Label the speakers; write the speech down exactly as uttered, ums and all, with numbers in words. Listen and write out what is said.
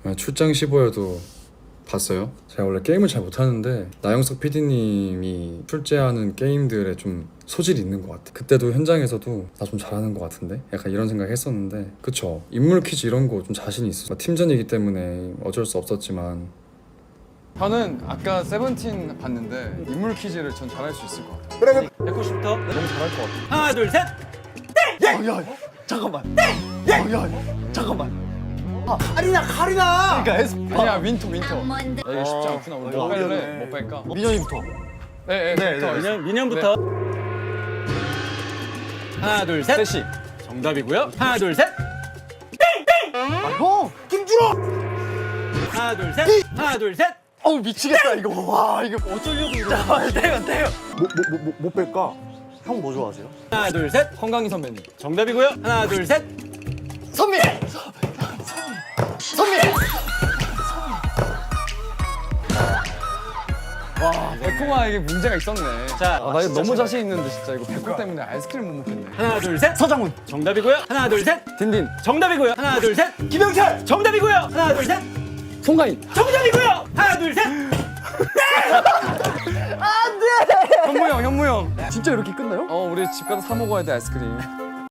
Speaker 1: 출장 십오에도 봤어요? 제가 원래 게임을 잘 못하는데 나영석 피디님이 출제하는 게임들에 좀 소질이 있는 것 같아. 그때도 현장에서도 나 좀 잘하는 것 같은데? 약간 이런 생각 했었는데 그쵸? 인물 퀴즈 이런 거 좀 자신이 있어. 팀전이기 때문에 어쩔 수 없었지만
Speaker 2: 저는 아까 세븐틴 봤는데 인물 퀴즈를 전 잘할 수 있을 것 같아요.
Speaker 3: 그래.
Speaker 4: 백구십부터
Speaker 2: 너무 잘할 것 같아요.
Speaker 4: 하나 둘 셋.
Speaker 3: 야, 야, 잠깐만. 야, 야, 잠깐만. 아, 카리나, 카리나. 그러니까 에스.
Speaker 2: 아니야 윈터 윈터. 야, 이게 쉽지 않구나. 우리 뭐 뺄래? 뭐 뺄까?
Speaker 3: 민현이부터.
Speaker 2: 네, 네,
Speaker 3: 네,
Speaker 2: 네.
Speaker 4: 민현 민현부터. 하나 둘 셋.
Speaker 2: 셋이.
Speaker 4: 정답이고요. 하나 둘 셋.
Speaker 3: 아, 형, 김준호.
Speaker 4: 하나 둘 셋. 하나 둘 셋.
Speaker 3: 어우 미치겠다 이거. 와 이거
Speaker 4: 어쩌려고 이러는
Speaker 3: 잠깐만 내가 내가. 뭐뭐뭐 뺄까? 형 뭐 좋아하세요?
Speaker 4: 하나 둘 셋.
Speaker 2: 건강희 선배님.
Speaker 4: 정답이고요. 하나 둘 셋.
Speaker 3: 선미. 선미.
Speaker 2: 와, 백호가 이게 문제가 있었네.
Speaker 4: 자,
Speaker 2: 아, 나 이거 너무 자신 있는데 진짜 이거 백호 때문에 아이스크림 못 먹겠네.
Speaker 4: 하나 둘 셋.
Speaker 3: 서장훈.
Speaker 4: 정답이고요. 하나 둘 셋.
Speaker 2: 딘딘.
Speaker 4: 정답이고요. 하나 둘 셋.
Speaker 3: 김영철.
Speaker 4: 정답이고요. 하나 둘 셋.
Speaker 2: 송가인.
Speaker 4: 정답이고요. 하나 둘 셋.
Speaker 2: 현무 형, 현무 형.
Speaker 3: 진짜 이렇게 끝나요?
Speaker 2: 어, 우리 집 가서 사 먹어야 돼 아이스크림.